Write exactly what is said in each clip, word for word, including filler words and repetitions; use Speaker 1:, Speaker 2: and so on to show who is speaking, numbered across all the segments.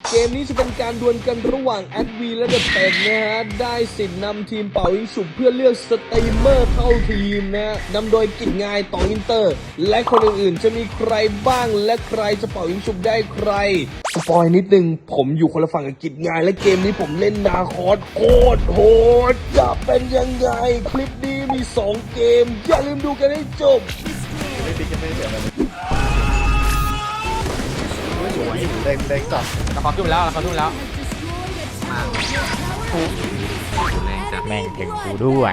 Speaker 1: เกมนี้จะเป็นการดวลกันระหว่างแอดวีและเดอะเป็ดนะฮะได้สิทธิ์นำทีมเป่ายิงฉุบเพื่อเลือกสตรีมเมอร์เข้าทีมนะฮะนำโดยกิจงายต่ออินเตอร์และคนอื่นๆจะมีใครบ้างและใครจะเป่ายิงฉุบได้ใครสปอยนิดนึงผมอยู่คนละฝั่งกับกิจงายและเกมนี้ผมเล่นนาคอสโคตรโหดจะเป็นยังไงคลิปนี้มีสองเกมอย่าลืมดูกันให้จบ
Speaker 2: เด้งเด้งจับ
Speaker 3: เราเขาทุ่มแล้วเราเขาทุ่มแล้วแม่งถึงกูด้วย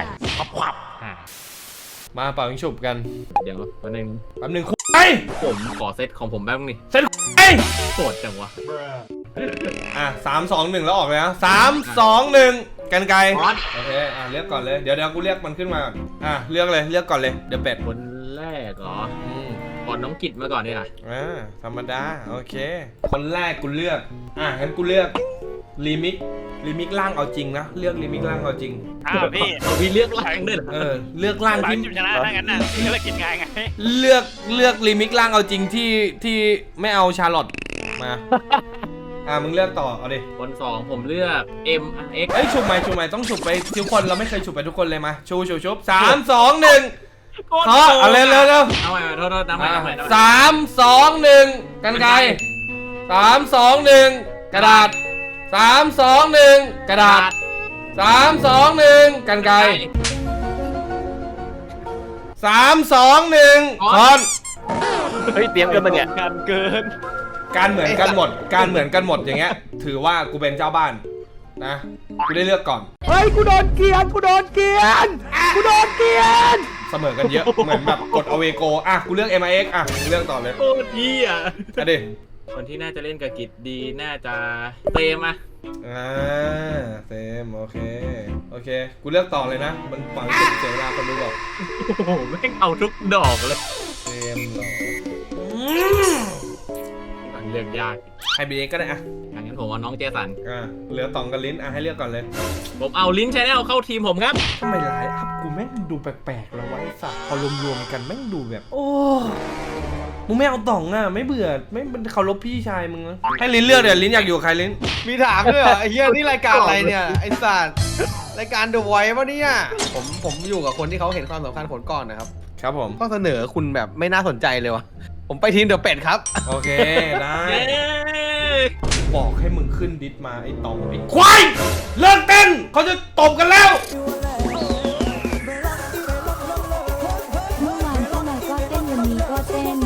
Speaker 3: มาเป่ายิงฉุบกัน
Speaker 4: เดี๋ยวแป๊บนึง
Speaker 3: แป๊บนึงคุย
Speaker 4: ผมขอเซตของผมแป๊บนึงนี่
Speaker 3: เซตไอ้
Speaker 4: โสดจังวะ
Speaker 3: อ่ะสามสองหนึ่งแล้วออกเลยนะสามสองหนึ่งกันไกลโอเคอ่ะเลือกก่อนเลยเดี๋ยวเดี๋ยวกูเรียกมันขึ้นมาก่อนอ่ะเลือกเลยเลือกก่อนเลยเดี๋ยวเป็ด
Speaker 4: คนแรกเหรอ
Speaker 3: อืม
Speaker 4: ก่อนน้องกิจมาก่อนเนี่ยนะ
Speaker 3: อ่าธรรมดาโอเคคนแรกกูเลือกอ่ะงั้นกูเลือกรีมิกรีมิกล่างเอาจริงนะเลือกรีมิกล่างเอาจริง
Speaker 5: อ้าวพี่
Speaker 4: เอาพี่เลือกล่างด้วยเหรอ
Speaker 3: เออเลือกล่าง
Speaker 5: หลัง
Speaker 3: ที่
Speaker 5: จุดชนะถ้างั้นน่ะพี่ก็เลยกินง่ายไง
Speaker 3: เลือกเลือกรีมิกล่างเอาจริงที่ที่ไม่เอาชาร์ลอตมาอ่ะมึงเลือกต่อเอาดิ
Speaker 4: คนสองผมเลือก M X
Speaker 3: เอ้ยฉุบใหม่ฉุบใหม่ต้องฉุบไปทุกคนเราไม่เคยฉุบไปทุกคนเลยมาชูชูชุบสามสองหนึ่งเพราะเอาเร็วเร็วเร็ว
Speaker 4: เอาใหม่โทษโทษน้ำใหม่น้ำใหม่
Speaker 3: สามสองหนึ่งกันไกรสามสองหนึ่งกระดาษสามสองหนึ่งกระดาษสามสองหนึ่งกันไกรสามสองหนึ่งคอน
Speaker 2: เฮ้ยเตรียมกันมาเนี่ย
Speaker 5: กันเกิน
Speaker 3: การเหมือนกันหมดการเหมือนกันหมดอย่างเงี้ยถือว่ากูเป็นเจ้าบ้านนะกูได้เลือกก่อน
Speaker 2: เฮ้ยกูโดนเกียนกูโดนเกียนกูโดนเกียน
Speaker 3: เสมอกันเยอะเหมือนแบบกดเอาเวโกอ่ะกูเลือก เอ็ม ไอ เอ็กซ์ อ่ะกูเลือกต่อเลย
Speaker 4: โคตรดีอ่ะ
Speaker 3: อ่ะดิ
Speaker 4: คนที่น่าจะเล่นกับกิจดีน่าจะเตมอ่ะ
Speaker 3: อ่าเซมโอเคโอเคกูเลือกต่อเลยนะมันฝังจุดเสียเวลาคนดูบอก
Speaker 4: โอ้โหแม่งเอาทุกดอกเลย
Speaker 3: เซมเหรอ
Speaker 4: เลือกยาก
Speaker 3: ให้บีเอ็กซ์ก็ได้อ่ะ
Speaker 4: งั้นผมเอาน้องเจสัน
Speaker 3: อ่ะเหลือตองกับลิ้นอ่ะให้เลือกก่อนเลย
Speaker 4: ผมเอาลิ้นชาแนลเข้าทีมผมครับ
Speaker 3: ทำไมไลน์อัพกูแม่งดูแปลกๆแล้ววะไอ้สัตว์พอรวมๆกันแม่งดูแบบ โอ้มึงไม่เอาต่องอ่ะไม่เบื่อไม่เคารพพี่ชายมึงนะให้ลิ้นเลือกเดี๋ยวลิ้นอยากอยู่กับใครลิ้น
Speaker 2: มีถามด้วยเหรอไอ้เหี้ยนี่รายการอะไรเนี่ยไอ้สัตว์รายการ The Voice ปะเนี่ยผมผมอยู่กับคนที่เขาเห็นความสำคัญผลก่อนนะครับ
Speaker 3: ครับผม
Speaker 2: ข้อเสนอคุณแบบไม่น่าสนใจเลยวะผมไปทีมเดอะเป็ดครับ
Speaker 3: โอเคได้
Speaker 4: เย้
Speaker 3: บอกให้มึงขึ้นดิสมาไอ้ตองไอ้ควายเลิกเต้นเขาจะตบกันแล้ว
Speaker 6: เมื่อวานก็มาก็เต้นวันนี้ก็เต้น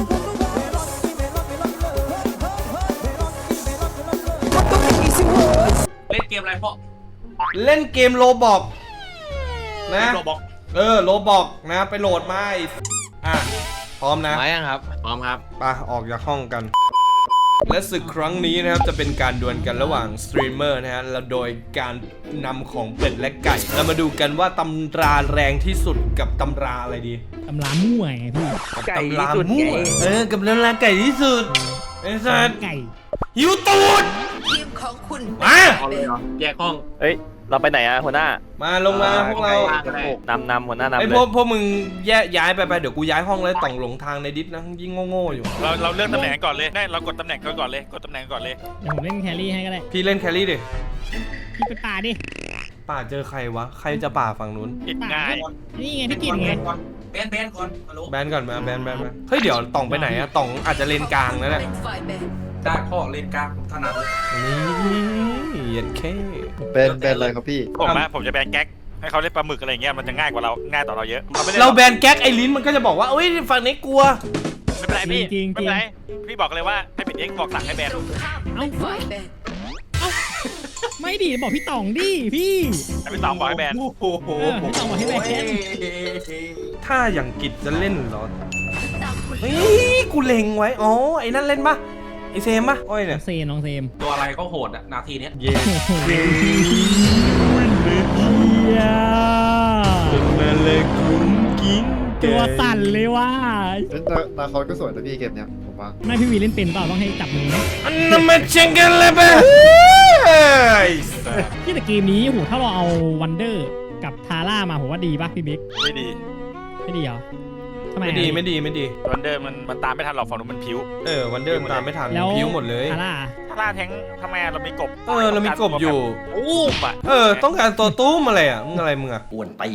Speaker 4: เล่นเกมอะไรพ่อ
Speaker 3: เล่นเกมโลบอกนะ
Speaker 5: โรบอก
Speaker 3: เออโลบอกนะไปโหลดมาไอ้อ่ะพร้อมนะ
Speaker 2: มายังครับ
Speaker 4: พร้อมครับ
Speaker 3: ไปออกจากห้องกัน และศึกครั้งนี้นะครับจะเป็นการดวลกันระหว่างสตรีมเมอร์นะฮะแล้วโดยการนำของเป็ดและไก่เรามาดูกันว่าตำราแรงที่สุดกับตำราอะไรดี
Speaker 7: ตำรามั่วไงพี่
Speaker 3: กับตำรามั่วเออกับตำราไก่ที่สุดไอ้สัส
Speaker 7: ไก่
Speaker 3: หิวตูด
Speaker 8: ทีมของคุณ
Speaker 3: มา
Speaker 4: เอาเลยเหรอแยกห้อง
Speaker 9: เฮ้ย เราไปไหนอะหัวหน้า
Speaker 3: มาลงมาพวกเรา
Speaker 4: ก็ได้
Speaker 9: นำนำหัวหน้านำ
Speaker 3: ไอ้
Speaker 9: เล
Speaker 3: พวก
Speaker 9: ย
Speaker 3: พวกมึงแยกย้ายไปไปเดี๋ยวกูย้ายห้องเลยต่องหลงทางในดิสนะยิ่งโง่ๆอยู่
Speaker 5: เราเราเลือกตำแหน่งก่อนเลยได้เรากดตำแหน่งก่อนก่อนเลยกดตำแหน่งก่อนเลย
Speaker 7: เดี๋ยวผมเล่นแครี่ให้ก็ได้
Speaker 3: พี่เล่นแครี่ดิ
Speaker 7: พี่ไปป่าดิ
Speaker 3: ป่าเจอใครวะใครจะป่าฝั่งนู้น
Speaker 5: กิน
Speaker 7: ป่า
Speaker 5: ง่าย
Speaker 7: นี่ไงพี่กินไง
Speaker 4: แบนแบนก่อนฮัลโหล
Speaker 3: แบนก่อนมาแบนแบนแบนเฮ้ยเดี๋ยวต่องไปไหนอะต่องอาจจะเลนกลางนะเนี่ย
Speaker 8: เป็นฝ่ายแบ่ง
Speaker 4: ได้พ่อเล่นกลางผมถนัดเลย
Speaker 3: นี่เย็นแค่
Speaker 2: เป็นเป็นอะไรครับพี่
Speaker 5: ผมนะผมจะแบนแก๊กให้เขาเล่นปลาหมึกอะไรเงี้ยมันจะง่ายกว่าเราง่ายต่อเราเยอะเราไม่ได้
Speaker 3: เราแบนแก๊กไอ้ลิ้นมันก็จะบอกว่าเอ้ยฝั่งนี้กลัว
Speaker 5: ไม่เป็นไรพี่ไม่เป็นไรพี่บอกเลยว่าให้เป็นเอ็กบอกสั่งให้แบน
Speaker 8: ตรงข้ามเป็นฝ่ายแบ่ง
Speaker 7: ไม่ดิบอกพี่ต่องดิพี่
Speaker 5: ให้พี่ตองบอกให้แบน
Speaker 3: โอ้โห
Speaker 7: เออพี่ต่องบอกให้แบน
Speaker 3: ถ้าอย่างกิจจะเล่นเหรอเฮ้ยกูเล็งไว้อ๋อไอ้นั่นเล่นปะไอเซมปะอ้อย
Speaker 7: น้
Speaker 3: เนี่
Speaker 7: อย งเซมน้องเซม
Speaker 4: ตัวอะไรก็โหดอะนาทีเนี้ย
Speaker 3: เย้
Speaker 7: มาเลยกุ้งกิ้งตัวสั่นเลยว่ะ
Speaker 2: นาคอสก็สวยนะพี่เกมเนี้ยผมว่า
Speaker 7: ไม่พี่วีเล่นเป็นเปล่าต้องให้จับมือไหม
Speaker 3: อันนั้นมาเช็งกันเลยปะ
Speaker 7: พี่แต่เกมนี้โหถ้าเราเอาวันเดอร์กับทาร่ามาผมว่าดีป่ะพี่บิ๊ก
Speaker 5: ไม่ดี
Speaker 7: ไม่ดีเหรอทำไม
Speaker 3: ไม่ดีไม่ดีไม่ดี
Speaker 5: วันเดอร์มันมันตามไม่ทันหรอกฝั่งนู้นมันผิว
Speaker 3: เออวันเดอร์ตามไม่ทัน
Speaker 7: แล้ว
Speaker 3: พิ้วหมดเลย
Speaker 7: ทาร่า
Speaker 5: ถ้าล่าแทงทำไมเรามีกบ
Speaker 3: เออเรามีกบอยู่
Speaker 5: อู้มอ่ะ
Speaker 3: เออต้องการตัวตุ้มอะไรอ่ะมึงอะไรมึงอ่ะ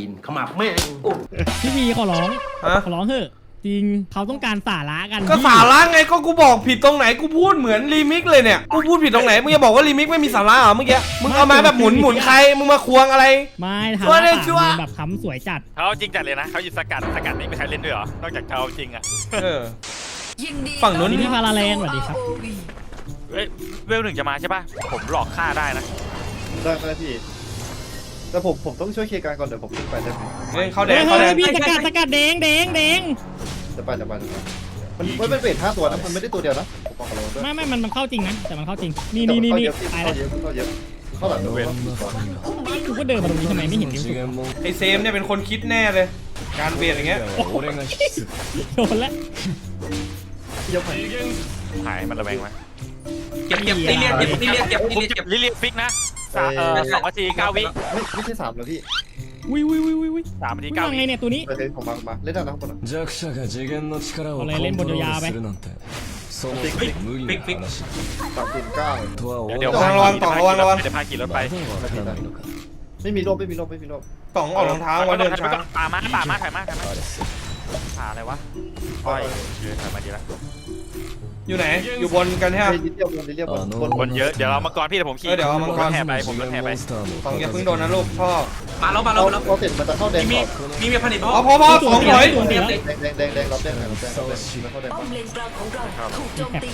Speaker 7: พี่วีขอร้อง
Speaker 3: ฮะ
Speaker 7: ขอร้องเถอะจริงเขาต้องการสาระกัน
Speaker 3: ก็
Speaker 7: พี่
Speaker 3: สาระไงก็กูบอกผิดตรงไหนกูพูดเหมือนรีมิกเลยเนี่ยกูพูดผิดตรงไหนมึงจะบอกว่ารีมิกไม่มีสาระเหรอเมื่อกี้มึงเอามาแบบหมุนหมุนใครมึงมาควงอะไร
Speaker 7: ไม่ทา
Speaker 3: ชัวร์
Speaker 7: ร่า
Speaker 3: เลย
Speaker 7: ปาก
Speaker 3: ชัวร์
Speaker 7: มือแบบค้ำสวยจัด
Speaker 5: เขาจริงจัดเลยนะเขาอยู่สกัดสกัดนี่มีใครเล่นด้วยเหรอนอกจากเขาจริงอ่ะ
Speaker 3: เออ
Speaker 8: ยินดี
Speaker 3: ฝั่งนู้น
Speaker 7: นี่พี่พาราแลนด์สวัสดีครับ
Speaker 5: เฮ้ยเวลหนึ่งจะมาใช่ป่ะผมหลอกฆ่าได้นะ
Speaker 10: ได้ไหมพี่แต่ผมผมต้องช่วยเคลียร์การก่อนเดี๋ยวผมขึ้นไปได้ไหม
Speaker 3: เฮ้ยเขาแด
Speaker 7: เฮ้
Speaker 3: ง
Speaker 7: ย
Speaker 3: เขาแด
Speaker 7: เฮ้ย
Speaker 3: ง
Speaker 7: พี่สกัดสกัดแดงแดงแดง
Speaker 10: จะไปจะไปจะไปมันมันเป็นเวทห้าตัวนะมันไม่ได้ตัวเดียวนะผมบอกกับเราด้วย
Speaker 7: ไม่ไม่มันมันเข้าจริงนะแต่มันเข้าจริงนี่นี่นี่นี่ตาย
Speaker 10: เข้า
Speaker 7: แล้ว
Speaker 10: เยอะเข้าเยอะเข้าหลังตัว
Speaker 7: กูก็เดินมาตรงนี้ทำไมไม่เห็นนิ้วสุด
Speaker 3: ไอเซมเนี่ยเป็นคนคิดแน่เลย การเบียดอย่างเงี้ย
Speaker 7: โดนแล้ว
Speaker 10: ยกไป
Speaker 5: หายมันระแวงไหม
Speaker 4: เก็บเก็บตีเลียเก็บตีเลียเก็บตี
Speaker 5: ผม
Speaker 4: เลีย
Speaker 5: เก็
Speaker 4: เก็
Speaker 5: บบ ลิเลียฟิกนะสามเออสองนาทีเก้าวิ
Speaker 10: ไม่ไม่ใช่สามเลยพี่
Speaker 7: วิววิววิววิว
Speaker 5: สามนาที
Speaker 7: มึง
Speaker 5: เก้า
Speaker 7: ว่า
Speaker 5: วิ
Speaker 7: ไงเนี่ยตัวนี้
Speaker 10: โอเคผมมามาเล่นได้นะข้างบน
Speaker 7: เอาเลยเล่นบนยาวๆไป
Speaker 10: ติ๊กติ๊ก
Speaker 4: ฟิกฟิก
Speaker 10: สามศูนย์เก้า
Speaker 5: เดี๋ยวเดี๋ยว
Speaker 3: ระวังระวังต่อระวังระวัง
Speaker 5: เดี๋ยวพาขี่รถไป
Speaker 10: ไม่มีโลบไม่มีโลบไม่มีโลบ
Speaker 3: ต่องออกรองเท้าว่าเดินช้า
Speaker 5: ป่ามาป่ามาถ่ายมาถ่ายมาหาอะไรวะอ้อยเยอะถ่ายมาดีละ
Speaker 3: อยู่ไหนอยู่บนกันใช่ไหม
Speaker 10: ดิเรียบบนดิเรียบบนบน
Speaker 5: คนเยอะเดี๋ยวเรามังกรพี่เดี๋ยวผมขี่
Speaker 3: เออเดี๋ยวเอามังกร
Speaker 5: ผแห่ไปผมรถแห่ไป
Speaker 3: ต่องอย่าเพิ่งโดนนะลูกพ่อ
Speaker 4: มาแล้วมาแล้
Speaker 10: เรา
Speaker 4: วมาแล้ว
Speaker 10: เราเสร็จมันจะเข้าแดง
Speaker 4: มี
Speaker 10: ก่อน
Speaker 4: มีมีผลิต
Speaker 3: อ๋อพอพอสองร้อย
Speaker 7: ตัวเดียว
Speaker 10: แดงแดงแดงแดงรับแดงหน่อยรับแดงรับแดงมันเข้าแดง
Speaker 8: ป้อมเลนกลางของเราถูกโจมตี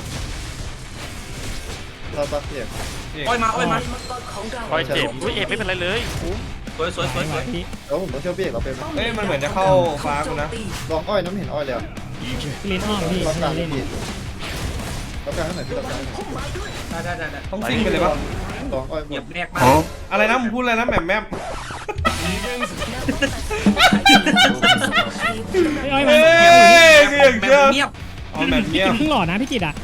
Speaker 10: เราตัดเสียง
Speaker 4: อ้อยมาอ้อยมา
Speaker 8: มังกรของเรา
Speaker 5: อ้อยเจ็บอุ้ยเอ็มไม่เป็นไรเลย
Speaker 4: สวยสวยสวยสวย
Speaker 7: พี่
Speaker 10: แล้วผมต้องช่วยพี่เอกเราเป็น
Speaker 3: เอ้ยมันเหมือนจะเข้าฟ้ากูนะ
Speaker 10: ลองอ้อยน้ำเห็นอ้อยแล้ว
Speaker 7: เล่นอ้อมพี่
Speaker 10: รับกลาง
Speaker 7: เล่น
Speaker 10: พี่รับกลางให้หน่อยพี่รับกลาง
Speaker 4: ได้ได้ได้ได้
Speaker 3: ต้องซิ่งไปเลยปะ
Speaker 10: ลองอ้อยหม
Speaker 4: เก็บ
Speaker 10: ด
Speaker 4: แนกมา
Speaker 3: อะไรนะมึงพูดอะไรนะแหม่มแม่ม
Speaker 7: ไอ้อ้อย
Speaker 3: เฮ้
Speaker 7: มาย
Speaker 3: คืออย่าง
Speaker 4: แบบ
Speaker 3: เงี้ย
Speaker 4: เงียบ
Speaker 3: เอาแบบ
Speaker 7: พี่
Speaker 3: เงี้ย
Speaker 7: กินครึ่งหลอดนะพี่กิตอ่ะ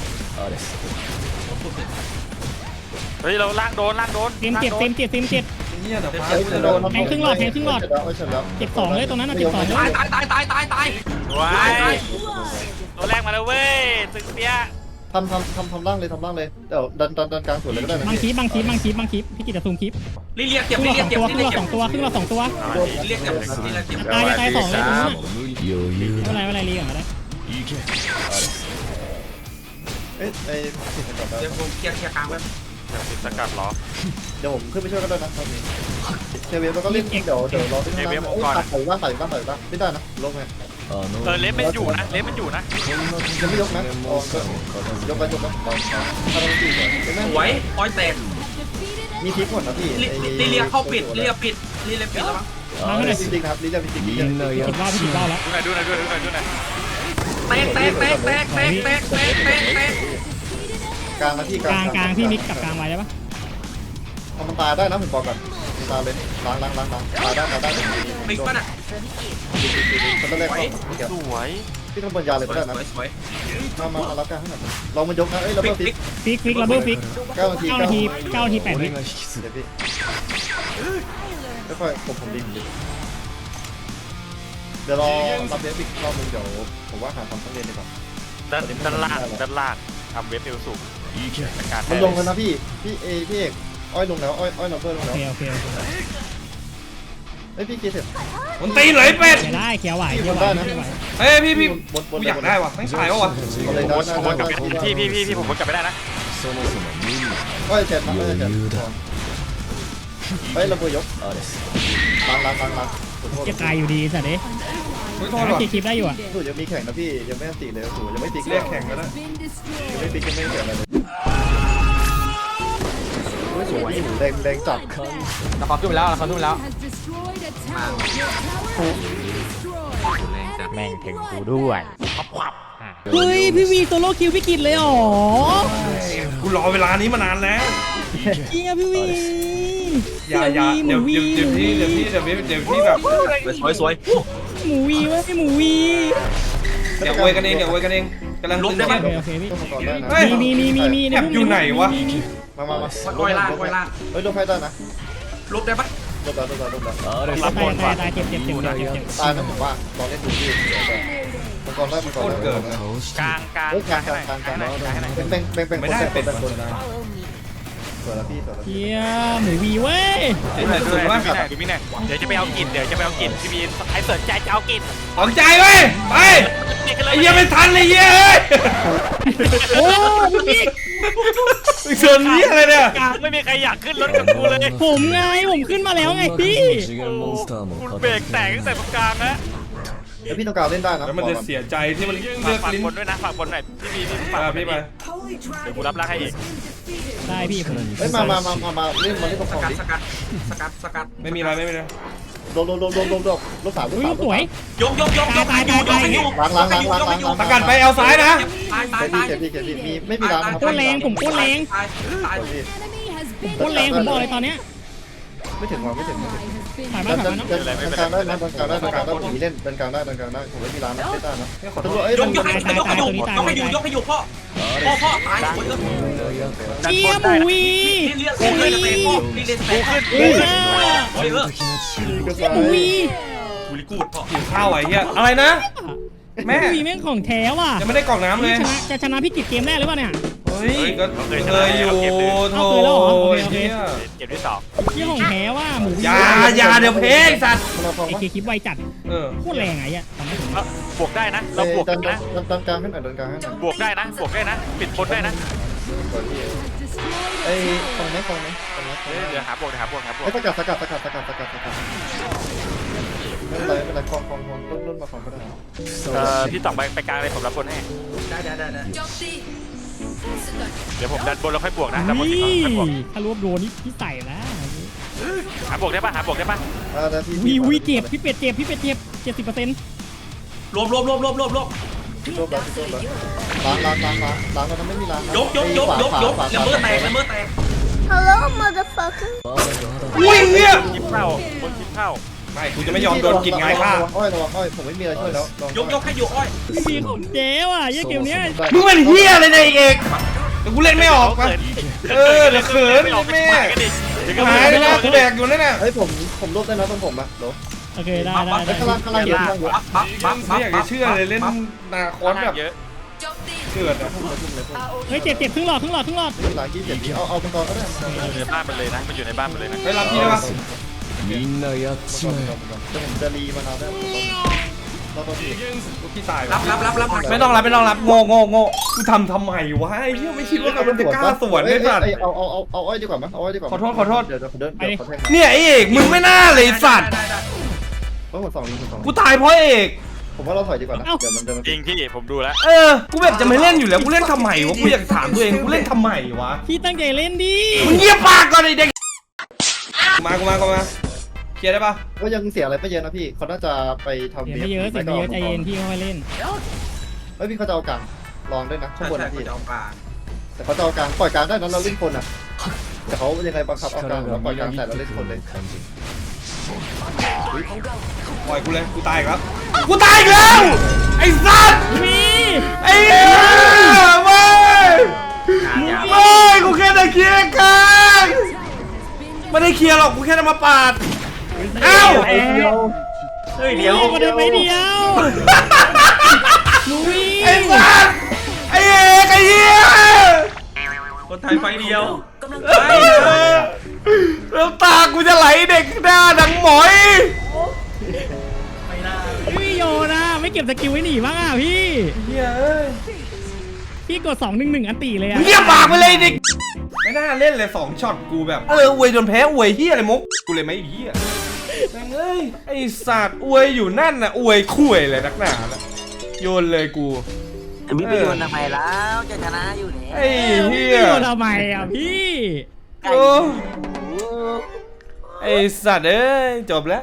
Speaker 5: เฮ้ยเราล่างโดนล่างโดน
Speaker 7: เต็มเจ็ดเต็มเจ็ดเต็มเจ็ด
Speaker 3: เงี้ยเดี๋ยวฟ้ากูจะโดน
Speaker 7: แทงครึ่งหลอดแทงครึ่งหลอด
Speaker 10: อ้อยเสร็จแล้ว
Speaker 7: เจ็บสองเลยตรงนั้นน่ะเจ็บสองเลย
Speaker 4: ตายตายตายตายตายตาย
Speaker 5: ว้ายตัวแรกมาแล้วเว้ยตึกเปีย
Speaker 10: ทำทำทำทำร่างเลยทำร่างเลยเดี๋ยวดันดันดันกลางสวนเลยก็ได้นะ
Speaker 7: บางคลิปบางคลิปบางคลิปบางคลิปพี่กิตจะซูมคลิป
Speaker 4: ลิเลีย
Speaker 7: ค
Speaker 4: เก็บ
Speaker 7: รึ่งห
Speaker 4: ลิ
Speaker 7: ลอด
Speaker 4: เลีย
Speaker 7: สอง
Speaker 4: เก็บ
Speaker 7: ตัว
Speaker 4: ลิ
Speaker 7: ครึ่งหลอดสองตัวครึ่งหลอดสองตัว
Speaker 4: เรียกเก็บลิเลียเก็บ
Speaker 7: ตายตายสองเลยตรงนั้นน่ะไม่เป็นไรไม่เป็นไรรีก่อนก็ได้
Speaker 10: เอ๊ะไอ้ผิดกันก่อน
Speaker 4: เดี๋ยวผมเคลียร์เคลียร์กลางไว้
Speaker 5: ติดสกัดเหรอ
Speaker 10: เดี๋ยวผมขึ้นไปช่วยก็ได้นะตอนนี้เทเวฟแล้วก็เล่นเดี๋ยวเดี๋ยวรอที่ข้างล่างตัดใส่บ้างใส่บ้างใส่บ้างไม่ได้นะลงไง
Speaker 5: เออเลสมันอยู่นะเลสมันอยู่นะ
Speaker 10: ยังไม่ยกนะอ๋อยกไปยกไปตอนถ้าเราตีก่อนเห็นไหม
Speaker 4: สวยอ้อยแตก
Speaker 10: มีพลิกหมดนะพี่
Speaker 4: ลิเลียเข้าปิดลิเลียปิดลิเลียปิดแล้วมั้ง
Speaker 7: มาให้หน่อย
Speaker 10: จริงๆนะครับลิเลียจริงๆ
Speaker 7: พี่กิตว่าพี่กิตว่าแล้ว
Speaker 5: ดูหน่อยดูหน่อยดูหน่อยดูหน่อย
Speaker 4: แตกแตกแตกแตกแตกแตกแตกแตกแตก
Speaker 10: กลางนะพี่
Speaker 7: กลางกลางพี่มิกกับกลางไว้ได้ปะ
Speaker 10: เอามันตายได้นะผมบอกก่อนตายเลยล้างล้างล้างล้างตายได้ตายได้
Speaker 4: ปิดป่ะน่ะ
Speaker 10: มันต้องแรกก่อน
Speaker 5: สวย
Speaker 10: พี่ทำบนยาเลย
Speaker 4: ส
Speaker 10: ก็
Speaker 4: วย
Speaker 10: ได้
Speaker 4: ส
Speaker 10: นะ
Speaker 4: วยสวย
Speaker 10: มามารับการให้หน่อยลองมันยกนะเอ้ยแล้ว
Speaker 4: ปิ
Speaker 10: ก็
Speaker 4: ด
Speaker 10: ฟิ
Speaker 4: ปิ
Speaker 10: ก
Speaker 4: ด
Speaker 7: ฟิกฟิกระเบิดฟิก
Speaker 10: เก้านาที
Speaker 7: เก้านาทีเก้านาทีแปดวิ
Speaker 10: เดี๋ยวพี่ค่อยๆผมผมดิผมดิเดี๋ยวรอรับเดฟอีกรอบนึงเดี๋ยวผมว่าหาทำทั้งเรียนดีกว่า
Speaker 5: ด้านด้านล่างด้านล่างทำเว็บเอลสูงการ
Speaker 10: มันลงแล้วนะพี่พี่เอพี่เอกอ้อยลงแล้วอ้อยอ้อยลัมเบอร์ลง
Speaker 7: โอ
Speaker 10: แล้ว
Speaker 7: เคโอเคโอเค
Speaker 10: เอ้ยพี่เกเสร็จ
Speaker 3: มันตีไหลเป็ด
Speaker 7: เขียวได้เขียวไหวเขียวไหวเขียวไหว
Speaker 3: เฮ้ยพี่พี่
Speaker 10: บนบ
Speaker 3: กู
Speaker 10: น
Speaker 3: อยากได้ว่ะทั้งขายวะวะ
Speaker 10: เอาเลยนะ
Speaker 5: ผมวนกลับไปพี่พี่พี่พี่ผมวนกลับไปได้นะ
Speaker 10: อ้อยเสร็จนะอ้อยเสร็จเฮ้ยลัมเบอร์ยกล้างล้างล้างล้าง
Speaker 7: จะตายอยู่ดีสัตว์เอ้ย
Speaker 3: ไม่โทษ
Speaker 7: แต่
Speaker 3: ว่ะ
Speaker 7: ว่าคลิปได้อยู่อ่ะ
Speaker 10: สูยังมีแข่งนะพี่ยังไม่ตีเลยสูยังไม่ตี
Speaker 3: เรียกแข่งก็ได้
Speaker 10: ยังไม่ตียังไม่เสียอะไรเลยสวยแดงแดงจับ
Speaker 2: ละครขึ้นไปแล้วละครขึ้นไปแล้ว
Speaker 4: แม่งถึงกูด้วย
Speaker 7: เฮ้ยพี่วีโซโล่คิวพี่กิตเลยอ๋อ
Speaker 3: กูรอเวลานี้มานานแล้ว
Speaker 7: จริงอ่ะพี่วี
Speaker 3: อย่าอย่าเดี๋ยวเดี๋ยวเดี๋ยวพี่เดี๋ยวพี่เดี๋ยวพี่เดี๋ยวพี่แบบ
Speaker 4: สวยสวย
Speaker 7: หมูวีเว้ยหมูวี
Speaker 3: เดี๋ยวอวยกันเองเดี๋ยวอวยกันเองกำลังตึง
Speaker 7: โอ
Speaker 3: เครียด
Speaker 7: เคโอเคพี่
Speaker 10: ต้องมาก่อนได้นะ
Speaker 3: เฮ้ย
Speaker 7: มีมีมีมี
Speaker 3: แอบอยู่ไหนวะ
Speaker 10: มามามา
Speaker 4: ก้อยล่างก้อยล่าง
Speaker 10: เฮ้ยโดนไฟได้นะ
Speaker 4: ลบได้ปะ
Speaker 10: ลบแล้วลบแล้วลบแล้ว
Speaker 5: รับบน
Speaker 7: ตา
Speaker 5: ว่ะ
Speaker 7: ยตายเจ็บเจ็บเจ็บเจ็บเจ็บ
Speaker 10: ตายนะผมว่าลองเล่นดูพี่มังกรได้มังกรได้
Speaker 5: กลางกลาง
Speaker 10: เฮ้ยกลางกลางกลางกลางเป็นเป็นเป็นเป็น
Speaker 3: ไม่ได้เป็ด
Speaker 10: เป็น
Speaker 3: ค
Speaker 10: คน
Speaker 3: นได้
Speaker 10: สวยแล้วพี่สวยแล้ว
Speaker 7: เฮียหมูวีเว้ย
Speaker 3: ไอ้ไหนสุดว่า
Speaker 5: ดูมิหน่อยดูมิหน่อยเดี๋ยวจะไปเอากินเดี๋ยวจะไปเอากินพี่บีไอ้เสิร์ฟใจจะเอากิน
Speaker 3: ของใจเว้ยไปไอ้เหี้ยไม่ทันเลยเหี้ยเอ้ย
Speaker 7: โอ้พี่บิ๊ก
Speaker 3: เชิญเหี้ยอะไรเนี่ย
Speaker 5: กลางไม่มีใครอยากขึ้นรถกับกูเลย
Speaker 7: ผมไงผมขึ้นมาแล้วไงพี่
Speaker 5: คุณเบรกแตกตั้งแต่ตรงกลางนะ
Speaker 10: แล้วพี่ต้องการเล่นได้นะ
Speaker 3: แล้วมันจะเสียใจที่มันเลือก
Speaker 5: ฝาก
Speaker 3: ลิ้น
Speaker 5: บนด้วยนะฝากบนหน่อยพี่บีพี่ฝาก
Speaker 3: มา
Speaker 5: บน
Speaker 3: พี่
Speaker 5: พี่
Speaker 3: มา
Speaker 5: เดี๋ยวกูรับร่างให้อีก
Speaker 7: ได้พี่ผม
Speaker 10: เฮ้ยมามามามามาเล่นมาเล่นตรง
Speaker 4: ส
Speaker 10: คอ
Speaker 4: กัด
Speaker 10: ดิ
Speaker 4: สกัดสกัดสกัด
Speaker 3: ไม่มีอะไรไม่มีอะไร
Speaker 10: โดนโดนโดนโดนโดนโดนลบสามลบ
Speaker 7: อุ้ย
Speaker 10: สาม
Speaker 7: สวย
Speaker 4: ยกยกยกยกให้อยู่ยกให้อยู่
Speaker 10: ล้างล้างล้างล้างล้างล้าง
Speaker 3: ประกันไปเอาซ้ายนะ
Speaker 4: ตายตาย
Speaker 10: พี่
Speaker 4: ตาย
Speaker 10: เขียนพี่เขียนพี่มีไม่มีร้านนะครับ
Speaker 7: โคตรแรงผมโคตรแรง
Speaker 4: ตายตาย
Speaker 7: โคตรแรงผมบอกเลยตอนเนี้ย
Speaker 10: ไม่ถึงว่าไม่ถึงไม่ถึง
Speaker 7: ถ่าย
Speaker 10: ดั
Speaker 7: มาน ถ่าย
Speaker 10: ดัน
Speaker 7: มาเนาะ
Speaker 10: ดันกลางได้นะดันกลางได้ดันกลางได้ผมมีเล่นดันกลางได้ดันกลางได้ผมไม่มีร้านนะไม่ได้นะ
Speaker 3: ขอโท
Speaker 10: ตำร
Speaker 3: ษ
Speaker 10: วจเอ้ย
Speaker 4: ยกยกให้ยกให้อยู่ยกให้อยู่ยกให้อยู่พ่อพ่อพ่อตายหมดเลย
Speaker 7: เฮียหมูวี
Speaker 4: นี่เรียกกูเลยเตะพ่อนี่เรียกเตะพ่อ
Speaker 7: เฮีย
Speaker 4: เฮ้ยเออ
Speaker 7: หมูวี
Speaker 4: กูริกูดพ่อ
Speaker 3: หิวข้าวไอ้เหี้ยอะไรนะ แม่
Speaker 7: หมูวีแม่งของแท้ว่ะ
Speaker 3: ยังไม่ได้กล่องน้ำเลย
Speaker 7: ชนะจะชนะพี่กิจเกมแรกหรือเปล่าเนี่ย
Speaker 3: เฮ้ยก็เคยอยู่โถ
Speaker 7: เอาเคยแล้วเหรอโอเคโอเค
Speaker 3: เหี้ย
Speaker 5: เก็บที่สอง
Speaker 7: เฮียของแท้ว่ะหมูวี
Speaker 3: อย่าอย่าเดี๋ยวเพลงสัตว์
Speaker 10: มาฟอง
Speaker 7: ไอ
Speaker 10: วะ
Speaker 7: เคคลิปไวจัด
Speaker 3: เออ
Speaker 7: โคตรแรงไงอ่ะตอนนี้ผม
Speaker 5: บวกได้นะ เราบวก
Speaker 10: ดัน
Speaker 5: นะ
Speaker 10: ดันดันกลางให้หน่อยดันกลางให้หน่อย
Speaker 5: บวกได้นะบวกได้นะ ปิดบนได้นะ
Speaker 10: ไอ้ฟองไหมฟองไหมฟองไหม
Speaker 5: เดี๋ยวหาบวกเดี๋ยวหาบวกหาบวก
Speaker 10: ไอ้สกัดสกัดสกัดสกัดสกัดสกัดไม่เป็นไรไม่เป็นไรฟองฟองฟองต้นต้นมาฟองก็ได้
Speaker 5: เอ่อพี่ต่องไปไปกลางเลยผมรับบนให้
Speaker 4: ได้ได้ได้ได้
Speaker 8: โจมตี
Speaker 5: เดี๋ยวผมดันบนแล้วค่อยบวกนะดันบน
Speaker 7: นี่
Speaker 5: ค่อยบวก
Speaker 7: ถ้ารวบโดนนี่พี่ใส่แล้ว
Speaker 5: หาบวกได้ปะหาบวกได้ปะ
Speaker 10: อ่าแล้วพี่
Speaker 7: วีวีเจ็บพี่เป็ดเจ็บพี่เป็ดเจ็บเจ็ดสิบเปอร์เซ็นต์
Speaker 4: รวมรวมรวมรวมรวมรวม
Speaker 10: พี่โต๊ะแล้วพี่โต๊ะแล้วล้างล้างล้างล้างล้างเราทำไม่มีล้าง
Speaker 4: ยกยกยกยกยกละเมิดแตกละเมิดแตก
Speaker 3: อุ้ยเหี้ย
Speaker 5: คลิปเข้าบนคลิปเข้า
Speaker 3: ไม่กูจะไม่ยอมโดนกินไงค่ะ
Speaker 10: อ้อยระวังอ้อยผมไม่มีอะไรช่วยแล้ว
Speaker 4: ยกยกให้อยู่อ้อย
Speaker 7: พี่มีของเจ๊ว่ะเยี่ยเกมเนี้ย
Speaker 3: มึงเป็นเหี้ยอะไรเนี่ยเอกเดี๋ยวกูเล่นไม่ออกปะเออเดี๋ยวเขิน
Speaker 5: ไม่ออก
Speaker 3: แม่
Speaker 5: ไม่กันดิเดี๋ยวก็
Speaker 3: หายไปแล้วกูแดกอยู่นั่นน่ะ
Speaker 10: เฮ้ยผมผมรวบได้นะตรงผมอะโห
Speaker 7: โอเคได้ได้ได้
Speaker 10: ข้างล่างข้างล่างเยอะข้างล่างเยอะ
Speaker 4: บัฟบัฟบัฟ
Speaker 3: ไม่อยากจะเชื่อเลยเล่นนาคอนแบบ
Speaker 5: เยอะ
Speaker 8: โจมตี
Speaker 3: เกิดอะ
Speaker 7: เฮ้ยเจ็บเจ็บครึ่งหลอดครึ่งหลอดครึ่งหลอด
Speaker 10: หลังยี่สิบเจ็ดเอาเอาเป็นกองก็ได้
Speaker 5: อยู่ในบ้านมันเลยนะมันอยู่ในบ้านมันเลยนะ
Speaker 3: ไปรับพี่ได้ปะ
Speaker 10: จะผมจะรีมานานแล้วเราต้องพี่
Speaker 3: พี่ตาย
Speaker 4: รับรับรับรับ
Speaker 3: ไม่ต้องรับไม่ต้องรับโง่โง่โง่กูทำทำไมวะไอ้เหี้ยไม่คิดว่ามันจะกล้าสวนได้สัตว์
Speaker 10: เอาเอาเอาเอาอ้อยดีกว่ามั้ยเอาอ้อยดีกว่าเดี๋ยวเดี๋ยวเดินเดี๋ยวขอแทง
Speaker 3: เนี่ยไอ้เอกมึงไม่น่าเลยสัตว์
Speaker 10: เพราะหมดสองลิงสอง
Speaker 3: กูตายเพราะเอก
Speaker 10: ผมว่าเราถอยดีกว่านะเดี๋ยวมันเดิน
Speaker 5: จริงพี่ผมดูแล้ว
Speaker 3: เออกูแบบจะไม่เล่นอยู่แล้วกูเล่นทำไมวะกูอยากถามตัวเองกูเล่นทำไมวะ
Speaker 7: พี่ตั้งใจเล่นดิ
Speaker 3: มึงเงียบปากก่อนไอ้เด็กมากูมากูมาเคลียร์ได้ปะ
Speaker 10: ก็ยังเสียอะไรไม่เยอะนะพี่เขาน่าจะไปทำ
Speaker 7: เสียไม่เยอะเสียไม่เยอะใจเย็นพี่ค่อยเล่น
Speaker 10: เฮ้ยพี่เขาจะเอากลางลองด้วยนะข้างบน
Speaker 4: ใช่
Speaker 10: นะ
Speaker 4: ใช่
Speaker 10: พี่
Speaker 4: จะเอาปลา
Speaker 10: แต่เขาจะเอากลางปล่อยกลางได้นั้นเราเล่นคนอ่ะแต่เขายังไงบังคับเอากลางแล้วปล่อยกลางแต่เราเล่นคนเลย
Speaker 3: ปล่อยกูเลยกูตายอีกแล้วกูตายอีกแล้วไอ้สัตว์
Speaker 7: มี
Speaker 3: ไอ้เหี้ยไม่ไม่กูแค่จะเคลียร์กันไม่ได้เคลียร์หรอกกูแค่จะมาปาดเอ้า
Speaker 4: เฮ้ยเดี๋ยว
Speaker 7: มาได้ไปเดียวลุย
Speaker 3: ไอ้สัตว์ไอ้เอกไอ้เหี้ย
Speaker 4: คนไทยไฟเดียว
Speaker 8: กำลัง
Speaker 3: ไอ้เหี้ยแล้วตากูจะไหลเด็กหน้าดังหมอย
Speaker 7: พี่โยนะไม่เก็บสกิลไว้หนีบ้างอ่ะพี่
Speaker 3: เหี้ยเอ้ย
Speaker 7: พี่กดสองหนึ่งหนึ่งอันตีเลยอ่ะ
Speaker 3: เงียบปากไปเลยเด็กไม่น่าเล่นเลยสองช็อตกูแบบเอออวยจนแพ้อวยเหี้ยอะไรมุกกูเลยไม่เหี้ยแม่งเอ้ยไอ้สัตว์อวยอยู่นั่นน่ะอวยคุยเลยนักหนาน่ะโยนเลยกู
Speaker 11: มีประโยชน์ทำไมแล้วจะชนะอยู่แล้ว
Speaker 3: ไอ้เหี้ย
Speaker 7: พี่โยทำไมอ่ะพี่
Speaker 3: โอ้ไอ้สัตว์เอ้ยจบแล้ว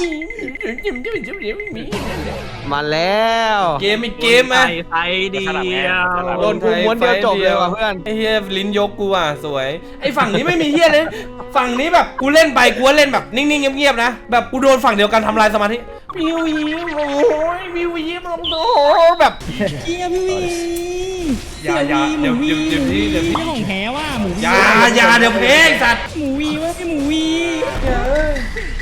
Speaker 11: มาแล้ว
Speaker 3: เกมอีกเกมไหม
Speaker 4: ไฟเดียว
Speaker 3: โดนกูม้วนเดียวจบเลยว่ะเพื่อนไอ้เฮียลิ้นยกกูอ่ะสวยไอ้ฝั่งนี้ไม่มีเฮียเลยฝั่งนี้แบบกูเล่นไปกูเล่นแบบนิ่งๆเงียบๆนะแบบกูโดนฝั่งเดียวกันทำลายสมาธิวิวยิ้มโอ้ยวิวยิ้มลงโตแบบ
Speaker 7: เกียพี่วี
Speaker 3: อย่าอย่าเดี๋ยวเดี๋ยวเดี๋ยวที่เดี๋ยวที่
Speaker 7: พี่ของแท้ว่าหมูวี
Speaker 3: อย่าอย่าเดี๋ยวเพลงสัตว์
Speaker 7: หมูวีว่าพี่หมูวี
Speaker 3: เฮ้ย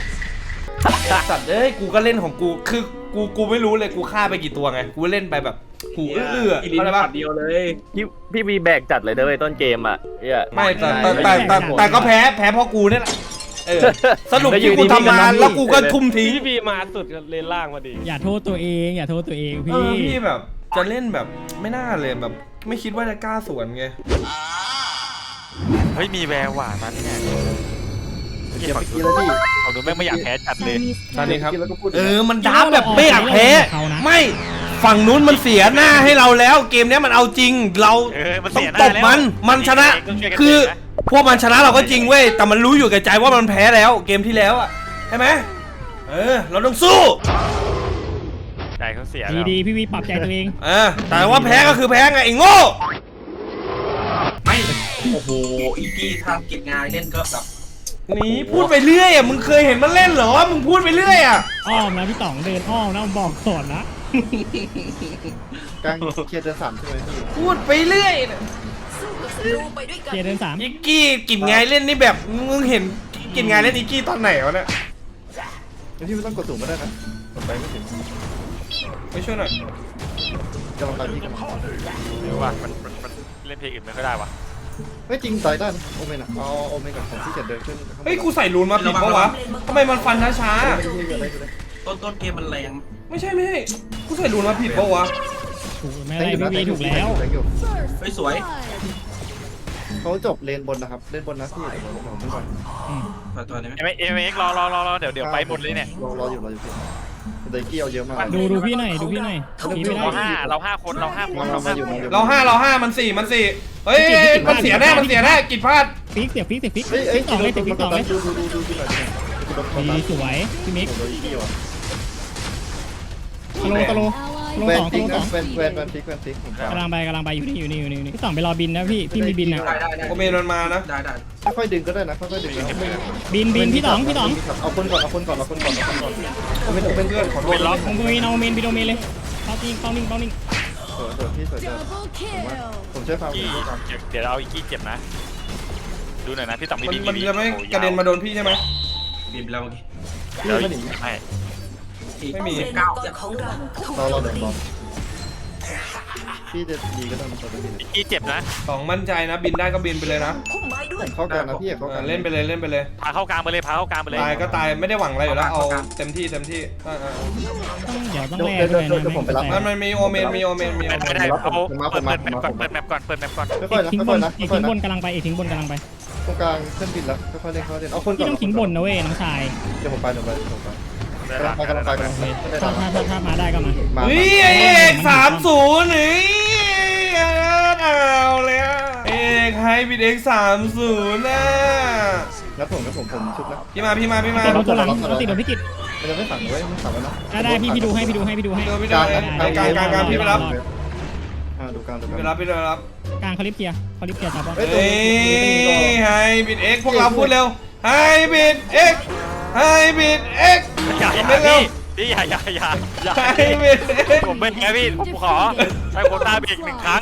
Speaker 3: สัตว์เอ้ยกูก็เล่นของกูคือกูกูไม่รู้เลยกูฆ่าไปกี่ตัวไงกูเล่นไปแบบหูอื้อๆ
Speaker 4: อีลิน
Speaker 3: เข้าใจปะ
Speaker 4: ปัดเดียวเลย
Speaker 9: พี่พี่วีแบกจัดเลยเด้อเว้ยต้นเกมอ่ะเหี้ย
Speaker 3: ไม่แต่แต่แต่แต่แต่ก็แพ้แพ้เพราะกูเนี่ยแหละเออสรุปที่กูทำมาแล้วกูก็ทุ่มทิ้ง
Speaker 5: พี่บีมาสุดเลนล่างพอดี
Speaker 7: อย่าโทษตัวเอง อย่าโทษตัวเอง
Speaker 3: เอ
Speaker 7: พี่
Speaker 3: อพี่แบบจะเล่นแบบไม่น่าเลยแบบ ไม่คิดว่าจะกล้าสวนไง
Speaker 5: เฮ้ยมีแววว่ะตอนนี้เนี่ย
Speaker 10: เก็บไปกินแล้วพี่
Speaker 5: เขาดูแม่งไม่อยากแพ้จัดเลย
Speaker 3: ตอนนี้ครับ
Speaker 10: กินแล้วก็พูด
Speaker 3: เออมันดับแบบไม่อยากแพ้ไม่ฝั่งนู้นมันเสียหน้าให้เราแล้ว เกมเนี้ยมันเอาจริงเรา
Speaker 5: เออมัน
Speaker 3: ต้อ
Speaker 5: เสี
Speaker 3: ง
Speaker 5: ยห
Speaker 3: ต
Speaker 5: น้า
Speaker 3: บ
Speaker 5: แล้ว
Speaker 3: มันมันชนะ
Speaker 5: ต้องช่วยกัน
Speaker 3: คือ
Speaker 5: เตะนะ
Speaker 3: พวกมันชนะเราก็จริงเว้ยแต่มันรู้อยู่แก่ใจว่ามันแพ้แล้ว เกมที่แล้วอ่ะใช่ไหมเออเราต้องสู้
Speaker 5: ใจเขาเสีย
Speaker 7: ดี
Speaker 5: แล้ว
Speaker 7: ดีพี่วีปรับใจตัวเอง
Speaker 3: เออแต่ว่าแพ้ก็คือแพ้ไงไอ้โง่
Speaker 4: ไม่โอ้โหอีกี้ทำกิจงานเล่นก็แบบ
Speaker 3: นี่พูดไปเรื่อยอ่ะมึงเคยเห็นมันเล่นเหรอมึงพูดไปเรื่อยอ่ะ
Speaker 7: อ้อมนะพี่ต๋องเดินอ้อมนะบอกก่อนนะ
Speaker 10: กลางเคลียร์เดือนสามใช่ไหมพี่
Speaker 3: พูดไปเรื่อย
Speaker 8: สู้กับศัตรูไปด้วยกัน
Speaker 7: เกียร์เดินสาม
Speaker 3: อิกกี้กินไงเล่นนี่แบบมึงเห็นกินไงเล่นอิกกี้ตอนไหนวะเนี่ย
Speaker 10: แล้วพี่ไม่ต้องกดสูงก็ได้นะกดไปไม่ถึง
Speaker 3: ไปช่วยหน่อย
Speaker 10: กำลังไปพี่กำลัง
Speaker 5: ไม่รู้ว่ามันมันมันเล่นเพลงอื่นไม่ค่อยได้วะ
Speaker 10: ไม่จริงตายได้นะโอเมนอ่ะเอาโอเมนกับผมที่เกียจเดินขึ้น
Speaker 3: เฮ้ยกูใส่รูนมาผิดปะวะทำไมมันฟันช้า
Speaker 10: ไม่ใช่เกิดอะไรขึ้นเลย
Speaker 4: ต้นต้นเกมมันแรง
Speaker 3: ๆไม่ใช่ไม่ใช่กูใส่รูนมาผิดปะวะ
Speaker 7: ถูกไม่ไรพี่วีถูกแล้ว
Speaker 4: เฮ้ยสวย
Speaker 10: เขาจบเลนบนนะครับเลนบนนะพี่เดี๋ยวผมผมไปก่อน
Speaker 4: ต่อตัวได้ไหม
Speaker 5: เอ็มเอ็มเอ็กรอรอรอรอเดี๋ยวเดี๋ยวไปหมดเลยเนี่ย
Speaker 10: รอรออยู่รออยู่พี่เดกี้เอาเยอะมาก
Speaker 7: ดูดูพี่หน่อยดูพี่หน่อยพี่ไม่
Speaker 5: เรา
Speaker 7: ได้
Speaker 5: ห้าเราห้าคนเราห้าคน
Speaker 10: มา
Speaker 5: เรา
Speaker 10: มา
Speaker 5: ห้า
Speaker 10: อยู่
Speaker 5: คน
Speaker 10: มาอยู่
Speaker 3: เราห้าเราห้ามันสี่มันสี่เฮ้ยมันเสียแน่มันเสียแน่กิดพลาด
Speaker 7: ฟิกเสียฟิกเสียฟิก
Speaker 10: เฮ้ยเอ้ย
Speaker 7: ฟิกสองเลยเสียฟิกสองเลย
Speaker 10: ดูดูดูดูดูหน่อยดูหน่อย
Speaker 7: ดีสวยพี่มิก
Speaker 10: โดนอีกี้ว่ะ
Speaker 7: ตะโลตะโลตะโล
Speaker 10: แวน
Speaker 7: สอง
Speaker 10: ฟิ
Speaker 7: ตะ
Speaker 10: ก
Speaker 7: โลส
Speaker 10: นะ
Speaker 7: อง
Speaker 10: แวนแวนแวนฟิกแวนฟิกผม
Speaker 7: กำลังไปกำลังไปอยู่นี่อยู่นี่อยู่นี่อยู่นี่พี่สองไปรอบินนะพี่พี่มีบินนะ
Speaker 4: ได้ได้ได้
Speaker 3: โอเมนมันมานะ
Speaker 4: ได้ได้
Speaker 10: ค่อยๆดึงก็ได้นะค่อยๆดึงนะ
Speaker 7: บินบินพี่สองพี่สอง
Speaker 10: เอาคนก่อนเอาคนก่อนเอาคนก่อนเอาคนก่อนเอาเป็นเป็นเพื่อนขอโทษ
Speaker 5: เป็นล็อก
Speaker 7: ผมโดนเอาเมนบินโดเมนเลยเข้าติ้งเข้านิ่งเข้านิ่ง
Speaker 10: สวยสวยพี่สวยจังผมช่วยฟังผม
Speaker 5: กี้
Speaker 10: ช่วยฟัง
Speaker 5: เดี๋ยวเราอีกกี้เจ็บนะ ดูหน่อยนะพี่ต่องมี
Speaker 3: มัน
Speaker 5: บี
Speaker 3: มัน
Speaker 5: บี
Speaker 3: จะไม่กระเด็นมาโดนพี่ใช่ไหม
Speaker 4: บีบแล้วเมื่อกี้
Speaker 5: เดี๋ยว
Speaker 10: ไม่หนี
Speaker 5: ไม่
Speaker 3: ไม่มี
Speaker 4: เก้า
Speaker 8: ของเราถูก
Speaker 10: เรา
Speaker 8: โจ
Speaker 10: เรา
Speaker 8: ม
Speaker 10: เดิน
Speaker 8: ตี
Speaker 10: บอลพี่จะดีก็ต้องมาตัวพี่
Speaker 5: อีกกี้เจ็บนะ
Speaker 3: สองมั่นใจนะบินได้ก็บินไปเลยนะ
Speaker 8: พุ่มไม้ด้วย
Speaker 10: เข้ากลางนะพี่เข้าก
Speaker 3: เอ
Speaker 10: ลา
Speaker 3: อง เล่นไปเลยเล่นไปเลย
Speaker 5: พาเข้ากลางไปเลยพาเข้ากลางไปเลย
Speaker 3: ตายก็ตายไม่ได้หวังอะไรอยู่แล้วเอาเต็มที่เต็มที่อ่า
Speaker 7: ต้องเดี๋ยวต้องแลด้วยนะ
Speaker 3: ๆมันมันมีโอเมนมีโอเมนมีโอ
Speaker 5: ไม่
Speaker 3: เมน
Speaker 5: ได้เอาเปิดเปิดแมปก่อนเปิดแมปก่อนเปิดแมปก่อน
Speaker 10: ค่อยๆนะ
Speaker 7: ทิ้งบ
Speaker 10: ค่อย
Speaker 7: น
Speaker 10: ๆนะ
Speaker 7: อีก
Speaker 10: ค่อ
Speaker 7: ทิ้
Speaker 10: ย
Speaker 7: ง
Speaker 10: ๆ
Speaker 7: บ
Speaker 10: นะ
Speaker 7: นกำลังไปอีกทิ้งบนกำลังไป
Speaker 10: ตรงกลางขึ้นบินแล้วค่อยๆเล่นค่อยๆเล่นเอาคนก่
Speaker 7: พี่
Speaker 10: อน
Speaker 7: ต้องทิ้งบนนะเว้ยน้องชาย
Speaker 10: เดี๋ยวผมไปเดี๋ยวไปผมไปกำลังไปกำลังไปกำลังไป
Speaker 7: ถ้าถ้าถ้าถ้ามาได้ก็มา
Speaker 10: มา
Speaker 3: เฮ้ยไอเอกสามศูนย์นี่เอาเลยเอกให้บิดเอกสามศูนย์นะ
Speaker 10: งั้นผมงั้นผมผมชุบนะ
Speaker 3: พี่มาพี่มาพี่มา
Speaker 7: ติดโดนตัวหลังติดโดนพิกิต
Speaker 10: มันจะไม่สั่งไว้ไม่สั่งไว้นะ
Speaker 7: ได้ได้พี่พี่ดูให้พี่ดูให้พี่ดูให้
Speaker 3: พี่ดูพี่ดูกลางกลางกลางพี่ไปรับ
Speaker 10: อ่าดูกลางดูก
Speaker 3: พี่ไป
Speaker 10: ลาง
Speaker 3: รับพี่ไปรับ
Speaker 7: กลางคลิปเกียร์คลิปเกียร์จับป่ะ
Speaker 10: เฮ้ย
Speaker 3: เฮ้ยให้บิดเอกพวกเราพูดเร็วให้บิดเอกให้บิดเอก
Speaker 5: อย่าอย่า
Speaker 3: เร็ว
Speaker 5: พี่พี่อย่าอย่าอย่าอย่า
Speaker 3: ให้บิดเอก
Speaker 5: ผมเป็นไงพี่ผมขอให้โควต้าเบรกหนึ่งครั้ง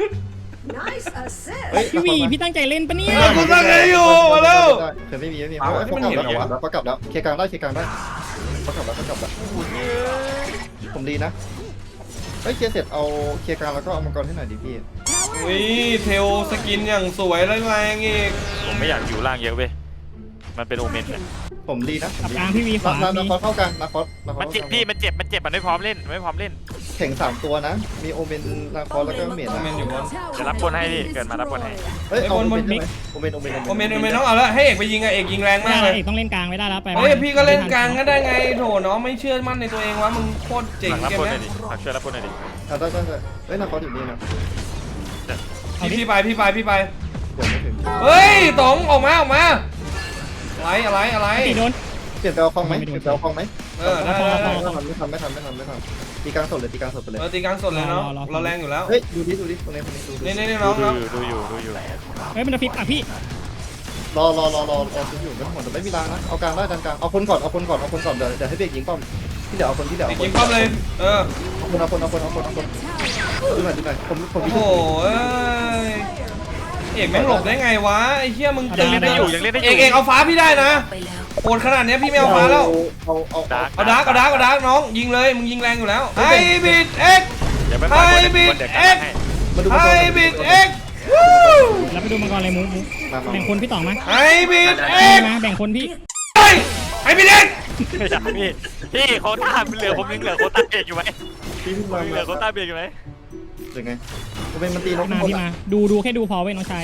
Speaker 7: พี่วีพี่ตั้งใจเล่นปะเนี่ย
Speaker 3: กูตั้งใจอยู่มาแล้ว
Speaker 10: เขื่อนไม่มีไม่มีเขากลับแล้วเขากลับแล้วเคลียร์กลางได้เคลียร์กลางได้เขากลับแล้วเขากลับแล้วผมดีนะเฮ้ยเคลียร์เสร็จเอาเคลียร์กลางแล้วก็เอามังกรให้หน่อยดิพี่
Speaker 3: อุ้ยเทลสกินอย่างสวยแรงๆอีก
Speaker 5: ผมไม่อยากอยู่ล่างเยอะเว้ยมันเป็นโอเมนเนี่ย
Speaker 10: ผมดีนะ
Speaker 7: กับกลางพี่วีขวา
Speaker 10: นา
Speaker 7: มี
Speaker 10: คอสเข้ากลางนาคอสนาคอ
Speaker 5: มัน
Speaker 10: ส
Speaker 5: เจ็บพี่มันเจ็บมันเจ็บมันไม่พร้อมเล่นไม่พร้อมเล่น
Speaker 10: แข่งสามตัวนะมีโอเมนนาคอสแล้วก็เมด
Speaker 3: โอเมนอยู่บน
Speaker 5: จะรับบนให้พี่เกิดมารับบนให้
Speaker 10: เฮ้ยเอาโอเมนโอเมนโอเมน
Speaker 3: โอเมนโอเมนต้องเอาแล้วให้เอกไปยิงอะเอกยิงแรง
Speaker 7: ไม่
Speaker 3: มาก
Speaker 7: ได้
Speaker 3: เลย
Speaker 7: เอกต้องเล่นกลางไม่ได้แล้วไป
Speaker 3: เฮ้ยพี่ก็เล่นกลางก็ได้ไงโถน้องไม่เชื่อมั่นในตัวเองวะมึงโคตรเจ๋ง
Speaker 5: ฝากรับ
Speaker 3: เกม
Speaker 5: บนหน่
Speaker 3: เนี้
Speaker 5: อย ยดิฝากช่วยรับบนหน่อยดิ
Speaker 10: อ่ะได้ได้ได้เฮ้ยนาคอสอยู่นี่นะ
Speaker 3: พี่พี่ไปพี่ไปพี่ไป
Speaker 10: เดี๋ยวไม่ถึง
Speaker 3: เฮ้ยต๋องออกมาออกมาอะไรอะไรอะไร
Speaker 7: ตีโดน
Speaker 10: เปลี่ยนไปเอาคลองไหมเปลี่ยนไปเอาคลองไหม
Speaker 3: เออได้ได้
Speaker 10: ไม่ทำไม่ทำไม่ทำไม่ทำไม่ทำตีกลางสดเลยตีกลางสดไปเลย
Speaker 3: เออตีกลางสดเลยเนาะเราแรงอยู่แล้ว
Speaker 10: เฮ้ยดูดิดูดิตรงนี้ตรงนี้ดู
Speaker 3: นี่
Speaker 10: ดิ
Speaker 3: นี่น้อง
Speaker 5: ดู
Speaker 3: น้อง
Speaker 5: อยู่ดูอยู่ดูอยู่
Speaker 7: เฮ้ยมันจะฟิกอ่ะพี่
Speaker 10: รอรอรอรอรอซื้ออยู่ไม่ต้องหมดแต่ไม่มีรางนะเอากลางได้ดันกลางเอาคนก่อนเอาคนก่อนเอาคนก่อนเดี๋ยวเดี๋ยวให้เบรกยิงป้อมที่เดี๋ยวเอาคนที่เดี๋ยว
Speaker 3: ตี
Speaker 10: เอาค
Speaker 3: กิ
Speaker 10: น
Speaker 3: นป้อมเลยเออ
Speaker 10: เอาคนเอาคนเอาคนเอาคนเอาคนดูหน่อยดูหน่อยผมผม
Speaker 3: โอ้โหเอ้ยเอกแม่งหลบได้ไงวะไอ้เหี้ยมึง
Speaker 5: ยังเล่นได้อยู่ยังเล่นได้อ
Speaker 3: เอยู่ กเอกเอาฟ้าพี่ได้นะ
Speaker 8: ไปแล้ว
Speaker 3: โอนขนาดเนี้ยพี่ไม่เอาฟ้าแล้ว
Speaker 10: เอาเอา
Speaker 5: ดาร์ก
Speaker 3: เอาดาร์กเอาดาร์กเอาดาร์กน้องยิงเลยมึงยิงแรงอยู่แล้วไฮบิดเอ็ก
Speaker 5: เดี๋ยวไปปล่อยบนเดี๋ยวเดี๋ยวกันให้
Speaker 10: มาดู
Speaker 3: ไฮ
Speaker 10: มาดู
Speaker 3: บิดเอ็ก
Speaker 7: แล้วไปดูมังกรอะไรมูมู
Speaker 10: มามา
Speaker 7: แบ่งคนพี่ต่องไหม
Speaker 3: ไฮบิดเอ็ก
Speaker 7: มาแบ่งคนพี่
Speaker 3: เฮ้ยไฮบิดเอ็ก
Speaker 5: ไม่อยากพี่พี่โค้ต้าเหลือผมยังเหลือโค้ต้าเบรกอยู่ไหม
Speaker 10: พี่พี่
Speaker 5: ผม
Speaker 10: มา
Speaker 5: ยังเหลือโค้ต้าเบรกอยู่ไหม
Speaker 10: หรือไงผมเป็นมันตีนก
Speaker 7: มาพี่มาดูดูแค่ดูพอไว้น้องชาย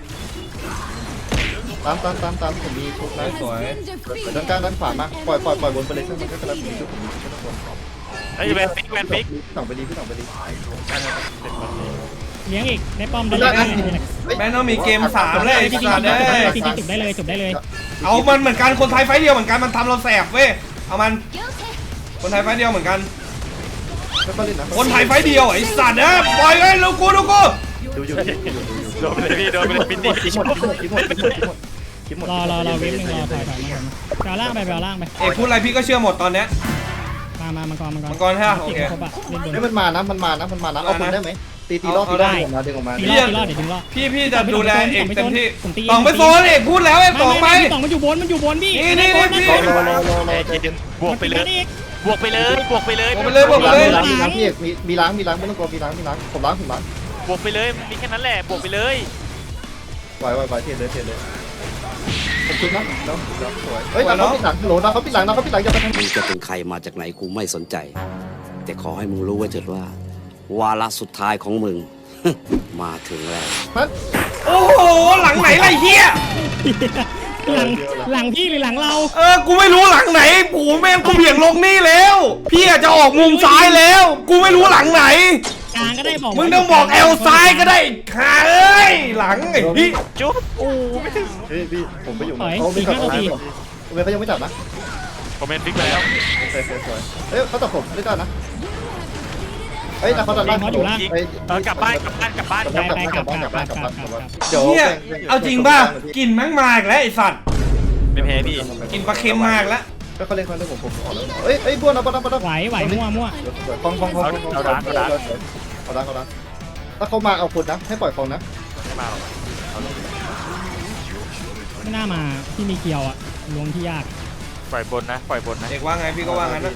Speaker 10: ตามตามตามตามผมมีชุดนะ
Speaker 3: สวย
Speaker 10: ด้านกลางด้านขวามาปล่อยปล่อยปล่อยบนไปเลยซึ่งมันก็กำลังมีชุดผมมีชุดทุกคน
Speaker 5: ไอ้แวนฟิกแวนฟิก
Speaker 10: พี่ต่องไปดีพี่ต่องไปดี
Speaker 7: เลี้ยงอีกได้ป้อมได้
Speaker 10: ได้
Speaker 7: ได้
Speaker 10: นะ
Speaker 3: แม่งต้องมีเกมสามเลยไอ้
Speaker 7: จริงๆ
Speaker 3: สัตว์เอ้ย
Speaker 7: จริงๆจบได้เลยจบได้เลย
Speaker 3: เอามันเหมือนกันคนไทยไฟเดียวเหมือนกันมันทำเราแสบเว้ยเอามันคนไทยไฟเดียวเหมือนกัน
Speaker 10: ก็เล่นนะ
Speaker 3: คนไทยไฟเดียวไอ้สัตว์เอ้ยปล่อยเลยลูกกูลูกกู
Speaker 10: ดูอยู่ดูอยู่ดูอยู่
Speaker 5: โดนไปเลยพี่โดนไปเลยปินดี้
Speaker 10: คิดหมดคิดหมดคิดหมดคิดหมดคิดหมด
Speaker 7: รอรอรอเวฟหนึ่งรอถอยถอยมาก่อนแปลล่างไปแปลล่างไป
Speaker 3: เอกพูดอะไรพี่ก็เชื่อหมดตอนเนี้ย
Speaker 7: มามามังกรมังกร
Speaker 3: มังกรใช่ปะโอเค
Speaker 7: ครบอะเล่นบน
Speaker 10: เฮ้ยมันมานะมันมานะมันมานะเอาคนได้ไหมตีตีรอบตีรอบออกมาดึงออกมา
Speaker 7: ตีรอดตีรอดเดี๋ยวถึงรอด
Speaker 3: พี่พี่จะดูแลเอกเต็มที่
Speaker 7: ผมตี
Speaker 3: ต่องไปโซนเอกพูดแล้วไอ้ต่องไป
Speaker 7: ต่องมันอยู่บนมันอยู่บนพี่
Speaker 3: นี่นี่นี่พี่
Speaker 10: รอรอรอรอ
Speaker 5: ไอ้เจนบวกไปเลยบวกไปเลยบวกไปเลย
Speaker 3: บวกไปเลยบวกไปเลย
Speaker 10: มีล้างพี่เอกมีมีล้างมีล้างไม่ต้องกลัวมีล้างมีล้างผมล้างผมล้าง
Speaker 5: บวกไปเลยมีแค่นั้นแหละบวกไปเลย
Speaker 10: ไหวไหวไหวเทียนเลยเทียนเลยผมคิดนะแล้วแล้วสวยเฮ้ยนะเขาปิดหลังโหลนะเขาปิดหลังนะเขาปิดหลังจะไปทำ
Speaker 11: มึงจะเป็นใครมาจากไหนกูไม่สนใจ แต่ขอให้มึงรู้ไว้เถิดว่า วาระสุดท้ายของมึง มาถึงแล้ว
Speaker 3: โอ้โหหลังไหนไรเฮีย
Speaker 7: หลังหลังพี่หรือหลังเรา
Speaker 3: เออกูไม่รู้หลังไหนกูแม่งกูเบี่ยงลงนี่แล้ว พี่อาจจะออกมุมซ้ายแล้ว กูไม่รู้หลังไหน
Speaker 7: กลางก็ได้บอก
Speaker 3: มึงต้องบอกเอลซ้ายก็ได้ขาเอ้ยหลังไอ้พี่
Speaker 5: จุ๊บโอ้ไม่ถึง
Speaker 10: เฮ้ยพี่ผมไปอยู่นะเขาไม่ขับอะไรผมผมเขายังไม่จับนะ
Speaker 5: ผมเป็นฟิกไปแล้ว
Speaker 10: สวยสวยสวยเฮ้ยเขาจับผมไม่ได้นะเฮ้ยแต่เขาจับได้เฮ้ย
Speaker 5: เออกลับบ้านกลับบ้านกลับบ้าน
Speaker 10: กลับบ้านกลับบ้านกลับบ้านกลับบ้านกลับบ้านเดี๋ยว
Speaker 3: เฮียเอาจริงป่ะกลิ่นแม่งมาอีกแล้วไอ้สัตว์
Speaker 5: ไม่แพ้พี่
Speaker 3: กลิ่นปลาเค็มมากแล้ว
Speaker 10: ก็เขาเล่นเขาเล่นผมผมออกแล้วเฮ้ยเฮ้ยบ้วนเอาบ้วนเอาบ้วน
Speaker 7: ไหวไหวมั่วมั่ว
Speaker 10: คองคองคองเอาดังเอาดังเอาดังเอาดังถ้าเขามาเอาคนนะให้ปล่อยคองนะ
Speaker 5: ไม่มาหรอก
Speaker 7: ไม่น่ามาที่มีเกียวอะลวงที่ยาก
Speaker 5: ปล่อยบนนะปล่อยบนนะ
Speaker 3: เด็กว่าไงพี่ก็ว่างั้นนะ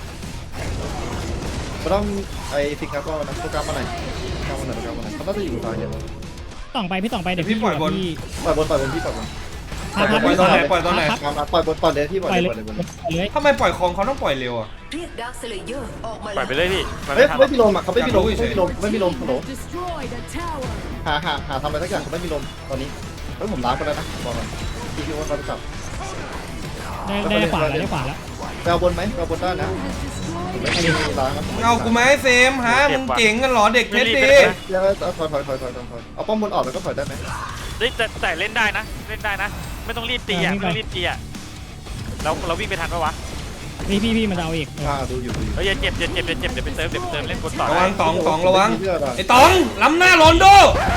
Speaker 10: เราต้องไอ้ฟิกครับก็นะโปรแกรมมาไหนโปรแกรมมาไหนโปรแกรมมาไหนเขาต้องจะอยู่ตายเดียว
Speaker 7: ต่องไปพี่ต่องไปเดี๋ยวพี่ปล่อยบนพี่
Speaker 10: ปล่อยบนปล่อยบนพี่ปล่อยบน
Speaker 7: พับพับ
Speaker 3: ปล่อยตอนไหนปล่อยตอนไหน
Speaker 10: ปล่อยบนปล่อยเลยพี่ปล่อย
Speaker 7: ปล่อย
Speaker 10: เล
Speaker 7: เลย ย
Speaker 10: ปล่อยเลย
Speaker 7: ปล่อยเลย
Speaker 3: ทำไมปล่อยของเขาต้องปล่อยเร็วอ่ะ
Speaker 8: เรียกดาร์คสเลเยอร์ออกมา
Speaker 5: ปล่อยไปเลยพี่
Speaker 10: เฮ้ยไม่มีลมอ่ะเขาไม่มีลมไม่มีลมไม่มีลมฮัลโหลหาหาหาทำอะไรสักอย่างเขาไม่มีลมตอนนี้เฮ้ยผมล้างไปแล้วนะบอกมันพี่คิดว่าเขาจะจับ
Speaker 7: ได้ได้ขวาแล้วได้ขวาแล้ว
Speaker 10: ไปเอาบนไหมไปเอาบนได้นะไม่มีล้างนะ
Speaker 3: เงากูไหมเซมฮะมึงเก่งกันเหรอเด็กเพชรดี
Speaker 10: เดี๋ยวถอยถอยถอยถอยถอยเอาป้อมบนออกแล้วก็ถอยได้ไหม
Speaker 5: แต่แต่เล่นได้นะเล่นได้นะ ไม่ต้องรีบตีอ่ะไม่ต้องรีบตีอ่ะเราเราวิ่งไปทันปะวะ
Speaker 7: พี่พี่พี่มันจะเอาอีก
Speaker 10: อ่าดูอยู่ดูอยู่
Speaker 5: เฮ้ยอย่าเจ็บอย่าเจ็บอย่าเจ็บเดี๋ยวไปเติมเดี๋ยวไปเติมเล่นบนต่อ
Speaker 3: ระวังตองตองระวังไอ้ตองล้ำหน้าโรนโด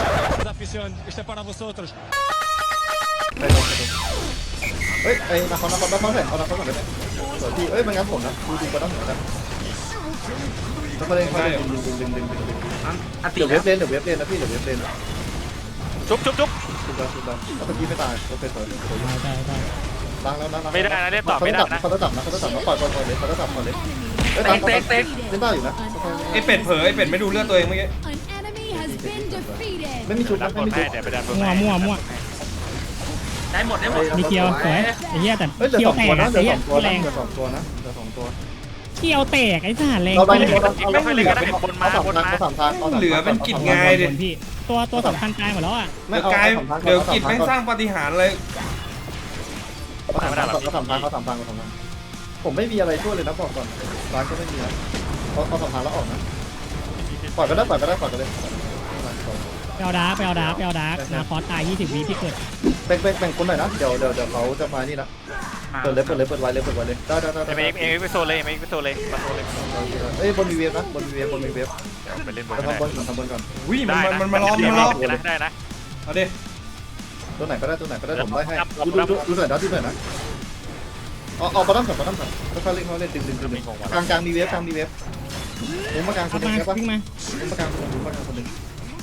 Speaker 10: เฮ้ยไอ้นาคอนนาคอนนาคอนแข่งเอานาคอนก่อนได้ไหมสวยพี่เอ้ยมันงั้นผมนะดูดูก็ต้องเหมือนกันแล้วมาเล่นเขาดึงดึงดึงดึงดึงดึง
Speaker 4: อันติ
Speaker 10: เดี๋ยวเวฟเลนเดี๋ยวเวฟเลนนะพี่เดี๋ยวเวฟเลน
Speaker 5: จุ๊บจุ๊บจุ๊บ
Speaker 10: สุดแล้วสุดแล้วแล้วเมื่อกี้ไม่ตายโอเคสวยสวย
Speaker 7: ได้ได้ได้
Speaker 10: ล้างแล้วล้าง
Speaker 5: ไม่ได้นะเล่นต่อไม่ได้นะ
Speaker 10: เขาต้องจับนะเขาต้องจับนะปล่อยปล่อยปล่อยเลยเขาต้องจับปล่อยเลยเอ้ย
Speaker 4: เต็กเต็กเต็ก
Speaker 10: เล่นได้อยู่นะ
Speaker 3: ไอ้เป็ดเผลอไอ้เป็ดไม่ดูเลือดตัวเองเมื่อกี้
Speaker 10: ไม่มีชุด
Speaker 5: ดั
Speaker 10: นะ
Speaker 5: นบ
Speaker 10: ไม่
Speaker 5: น
Speaker 10: มี
Speaker 5: ให้
Speaker 10: ชุด
Speaker 5: เดี๋ยวไปดันบน
Speaker 7: มั่ว
Speaker 5: ให้
Speaker 7: มั่วมั่ว
Speaker 4: ได้หมดได้หมด
Speaker 7: มีเกียวสวยไอ้เหี้ยแต่
Speaker 10: เฮ้ยเหลือ
Speaker 7: เกีย
Speaker 10: ส
Speaker 7: ว
Speaker 10: อง
Speaker 7: แต
Speaker 10: ตัว
Speaker 7: ก
Speaker 10: นะ
Speaker 7: อะ
Speaker 10: เหลื
Speaker 7: ไอ้
Speaker 10: อ
Speaker 7: เหี้
Speaker 10: ส
Speaker 7: ย
Speaker 10: องตัว
Speaker 7: แร
Speaker 10: นะ
Speaker 7: ง
Speaker 10: เหลือสองตัวนะเหลือสองตัว
Speaker 7: เกียวแตกไอ้สารแรง
Speaker 10: เราได้
Speaker 7: ไป
Speaker 10: เราได้
Speaker 5: ไม่ค่อยเล่นก็ได้บนมา
Speaker 10: เขา
Speaker 5: บน
Speaker 10: สาม
Speaker 5: มา
Speaker 10: ทางเขาสามทาง
Speaker 3: เหลือเป็นกิจงายดิ
Speaker 7: พี่ตัวตัวสำคัญตายหมดแล้วอ่ะ
Speaker 3: เดี๋ยวกายเดี๋ยวกิจแม่งสร้างปาฏิหาริย์เลย
Speaker 10: เขาสามทางเขาสามทางเขาสามทางเขาสามทางผมไม่มีอะไรช่วยเลยนะบอกก่อนร้านก็ไม่มีนะเขาเขาสามทางแล้วออกนะปล่อยก็ได้ปล่อยก็ได้ปล่อยก็ได้
Speaker 7: ไปเอาดาร์กไปเอาดาร์กไปเอาดาร์กนาคอสตายยี่สิบวิพี่เกิด
Speaker 10: แบ่งแบ่งแบ่งคนหน่อยนะเดี๋ยวเดี๋ยวเดี๋ยวเขาจะมานี่นะเปิดเลยเปิดเลยเปิดไว้เลยเปิดไว้เลยได้ได้ได้
Speaker 5: เอ็มเอ็มเอ็มไปโซเลยเอ็มเอ็มไปโซเลยมาโซเลย
Speaker 10: เอ้ยบนมีเวฟนะบนมีเวฟบนมีเวฟ
Speaker 5: เดี๋ยวไปเล่นบน
Speaker 10: เรา
Speaker 5: ได้
Speaker 10: ทำบนก่อนทำบนก่อน
Speaker 3: วิ่มัน
Speaker 5: ได้
Speaker 3: มัน
Speaker 5: นะ
Speaker 3: มันมาล้อมมันมาล้อม
Speaker 5: ได้นะ
Speaker 3: เอาดิ
Speaker 10: ตัวไหนก็ได้ตัวไหนก็ได้ผมได้ให้ดูดูดูหน่อยนะดูหน่อยนะเอาเอาปลาตั้มก่อนปลาตั้มก่อนแล้วเขาเล่นเขาเล่นดึงดึงดึงกลางกลางมีเวฟกลางมีเวฟผมมากลางค
Speaker 7: เอา
Speaker 10: นหนึ่
Speaker 7: มาง
Speaker 10: ใช่ปะ
Speaker 7: วิ่งมา
Speaker 10: ผมมากลางคนหนึ่งผมมากลางคนหนึ่ง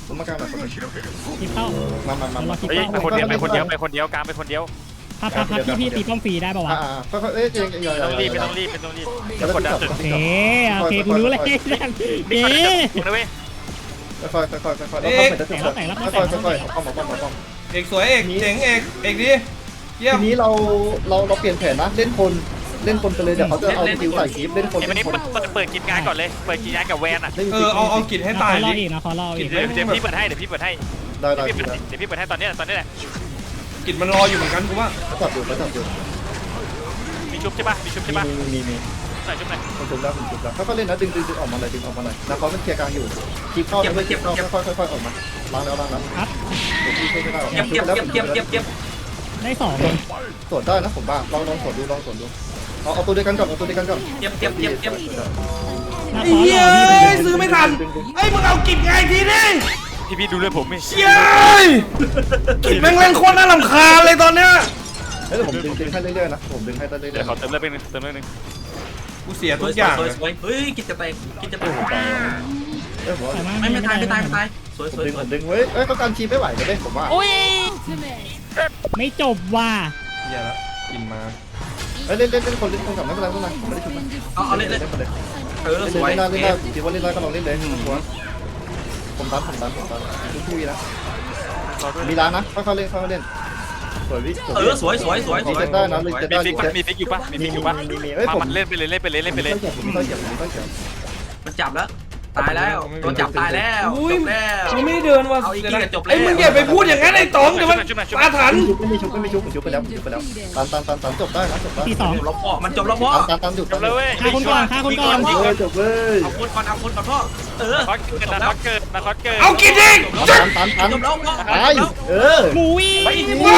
Speaker 10: ผมมากลางหน่อยคนหนึ่ง
Speaker 7: คิดเข้า
Speaker 10: มามามา
Speaker 7: เรา
Speaker 10: มา
Speaker 7: คิด
Speaker 5: เฮ้ย
Speaker 7: เข้า
Speaker 5: ไปคนเดียวไปคนเดียวไปคนเดียวกลางไปคนเดียว
Speaker 7: พับพับพับพี่พี่ตีป้อมฟรีได้ป่าวะ
Speaker 10: อ่าค่อยๆเอ้ยเองอย่า
Speaker 5: ไม่
Speaker 10: อย่า
Speaker 5: ต้องรีบ
Speaker 10: อย่า
Speaker 5: ไม่ต้องรีบไม่ต้องรีบ
Speaker 10: อย่าก
Speaker 5: ดดันสุด
Speaker 7: โอเคโอเคกูรู้เลยเอ๊ะ
Speaker 5: นะเว้ย
Speaker 10: ค่อยๆค่อยๆค่อยๆแล้วเข้าไปจะจบแล้วค่อยๆค่อยๆเอาป้อมเอาป้อมเอาป้อม
Speaker 3: เอกสวยเอกเจ๋งเอกเอกดีเยี่ยม
Speaker 10: ทีนี้เราเราเราเปลี่ยนแผนนะเล่นคนเล่นคนไปเลยเดี๋ยวเขาจะเอาสกิลใส่คลิปเล่นคน
Speaker 5: ไอ้วัน
Speaker 10: เล่
Speaker 5: นี้
Speaker 10: นคน
Speaker 5: เปิดเปิดกินงานก่อนเลยเปิดกินงานกับแวนอ่ะ
Speaker 10: ล่น
Speaker 3: เออเอาเอากิจให้ตาย
Speaker 7: รอ
Speaker 3: ดิ
Speaker 7: อีกนะขอรออีก
Speaker 5: เดี๋ยวเดี๋ยวพี่เปิดให้เดี๋ยวพี่เปิดให้
Speaker 10: ได้ได้
Speaker 5: เดี๋ยวพี่
Speaker 10: ได้
Speaker 5: เปิดเดี๋ยวพี่เปิดให้ตอนนี้ตอนนี้แหละ
Speaker 3: กิจมันรออยู่เหมือนกันกูว่า
Speaker 10: เขาจับอยู่เขาจับอยู่
Speaker 5: มีชุบใช่ปะมีชุบใช่ปะ
Speaker 10: มีมีมี
Speaker 5: ใส่ชุบหน่อย
Speaker 10: คนชุบแล้วคนชุบแล้วเขาก็เล่นนะดึงดึงดึงออกมาเลยดึงออกมาเลยแล้วเขาเป็นเคลียร์กลางอยู่คลิปเข้าแล้วคลิปเข้าค่อยๆค่อยๆออกมาล้างแล้วล้างแล้ว
Speaker 7: ครับ
Speaker 10: เดี๋ยวพี่ช่วยไม่ได้หรอก
Speaker 4: เก็บเก็บเก็บเก็บเก็บเก็บ
Speaker 7: ได้สองเลย
Speaker 10: สวนได้นะผมบ้าลองลองสวนดูลองสวนดูเอาเอาตัวเดียวกันก่อนเอาตัวเดียวกันก่อน
Speaker 4: เก็บเก็บเก็บเก็บ
Speaker 7: นา
Speaker 3: ไอ้
Speaker 7: คอ
Speaker 3: เหี้ย
Speaker 7: รอพี่
Speaker 3: เอ้ยซื้อไม่ทันไอ้ยมึงเอากิจไงทีนี่
Speaker 5: พี่พี่ดูเลยผมไม่
Speaker 3: เชี่ยกิจแม่งเล่นโคตรน่ารำคาญเลยตอนเนี้ย
Speaker 10: เฮ้ยผมดึงดึงให้เรื่อยๆนะผมดึงให้เรื่อยๆ
Speaker 5: เดี๋ยวเขาเติมเลือดไปนึงเติมเลือดนึง
Speaker 3: กูเสีย
Speaker 4: ส
Speaker 3: ทุ
Speaker 4: วย
Speaker 3: กอย่าง
Speaker 4: สวยสวยเฮ้ยกินจะไปกินจะไป
Speaker 10: เอ้ยผม
Speaker 7: แต่ว่า
Speaker 4: ไม่ไม่ตายไม่ตายไม่ตายสวย
Speaker 10: ผม
Speaker 4: สวย
Speaker 10: ดึง
Speaker 4: ส
Speaker 10: ผ
Speaker 4: วย
Speaker 10: มดึงเว้ยเอ้ยเขาการชีไม่ไหวกันเลยผมว่า
Speaker 7: ไม่จบว่ะ
Speaker 3: เหี้ยละกินมา
Speaker 10: เอ้ยเล่นเล่นเล่นคนเล่นคนกลับไม่เป็นไรไม่เป็นไรผมไม่ได้ชุบนะ
Speaker 4: เอาเอาเล่นเล่น
Speaker 10: เล่นไปเลย
Speaker 4: เออ
Speaker 10: เล่น
Speaker 4: สวย
Speaker 10: เล่นได้เล่นได้ถือว่าเล่นได้ก็ลองเล่นเลยผมตันผมตันผมตันทุกทุยนะมีร้านนะค่อยๆเล่นค่อยๆเล่นสวยวิ
Speaker 4: เออสวยสวยสวยส
Speaker 10: มี
Speaker 4: วย
Speaker 10: เซ็ตได้นะมีเซ็ต
Speaker 5: มี
Speaker 10: ได้
Speaker 5: ฟิกปะมีฟิกอยู่ปะมีฟิกอยู่ปะ
Speaker 10: มีมีเอ้ย
Speaker 5: มา
Speaker 10: ผม
Speaker 5: มันเล่นไปเลยเล่นไปเลยเล่นไปเลย
Speaker 10: ผมไม่ค่อยเก็บผมไม่ค่อยเก็บ
Speaker 4: มันจับแล้วตายแล้วตัวจับตายแล้วจบแล้ว
Speaker 3: กูไม่เดินว่ะ
Speaker 4: เอาอีกทีก็จบแล้ว
Speaker 3: ไอ้ยมึงอย่าไปพูดอย่างนั้นไอ้ต๋องเดี๋ยวมันอาถรรพ์
Speaker 10: ชุบไม่มีชุบไม่มีชุบผมชุบไปแล้วชุบไปแล้วตันตันตันตันจบได้นะจบได้
Speaker 7: ตีสอง
Speaker 4: จบแล้วพ่อมันจบแล้วพ่อ
Speaker 10: ตันตันตันหยุด
Speaker 5: จบเลยเว้ย
Speaker 7: ฆ่าคนก่อนฆ่าคนก่อน
Speaker 10: เออจบเลย
Speaker 4: เอาคนก่อนเอาคนก่อนพ่อเออ
Speaker 5: คอสเกิดนะคอสเกิดนะคอสเกิด
Speaker 3: เอากินดิ
Speaker 10: ตันตันตัน
Speaker 4: จบแล้วพ่อ
Speaker 10: ตายเออ
Speaker 7: หมูอี
Speaker 3: ว้าว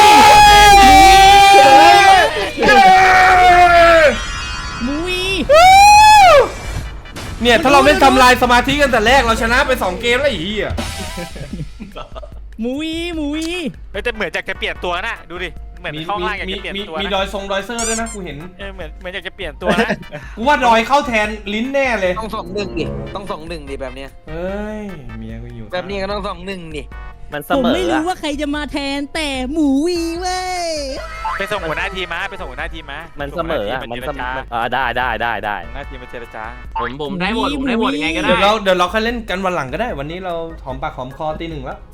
Speaker 7: หมูอี
Speaker 3: เนี่ยถ้าเราไม่ทำลายสมาธิกันแต่แรกเราชนะไปสองเกมแล้วไอ้เหี้ย
Speaker 7: หมูอีหมูอี
Speaker 5: เฮ้ยแต่เหมือนจะเปลี่ยนตัวนะดูดิเหมือนเข้าล่างอยาก
Speaker 3: มี
Speaker 5: จะเปลี่ยน
Speaker 3: มี
Speaker 5: ตัว
Speaker 3: มี
Speaker 5: นะ
Speaker 3: ดอยทรงดอยเซอร์ด้วยนะกูเห็น
Speaker 5: เออเหมือนเหมือนอยากจะเปลี่ยนตัวนะ
Speaker 3: กูว่าดอยเข้าแทนลิ้นแน่เลย
Speaker 12: ต้องสองหนึ่งดิ ต้องสองหนึ่งดิแบบเนี้ย
Speaker 3: เฮ้ยเมียกูอยู่
Speaker 12: แบบนี้ก็ต้องสองหนึ่งดิ
Speaker 9: มันเส
Speaker 7: ผม
Speaker 9: มอ
Speaker 7: ไม่รู้
Speaker 9: อะ
Speaker 7: ว่าใครจะมาแทนแต่หมูอีเว้ย
Speaker 5: ไปส่งหัวหน้าทีมมาไปส่งหัวหน้าทีมมา
Speaker 9: มั
Speaker 5: มัน
Speaker 9: เสมออะมันเสมออ่าได้ได้ได้ได้
Speaker 5: หัวหน้าทีมมาเจรจา
Speaker 4: ผมผมได้หมดผมได้หมดยังไงก็ได้
Speaker 3: เดี๋ยวเราเดี๋ยวเราค่อยเล่นกันวันหลังก็ได้ วันนี้เราหอมปากหอมคอตีหนึ่งแล้ว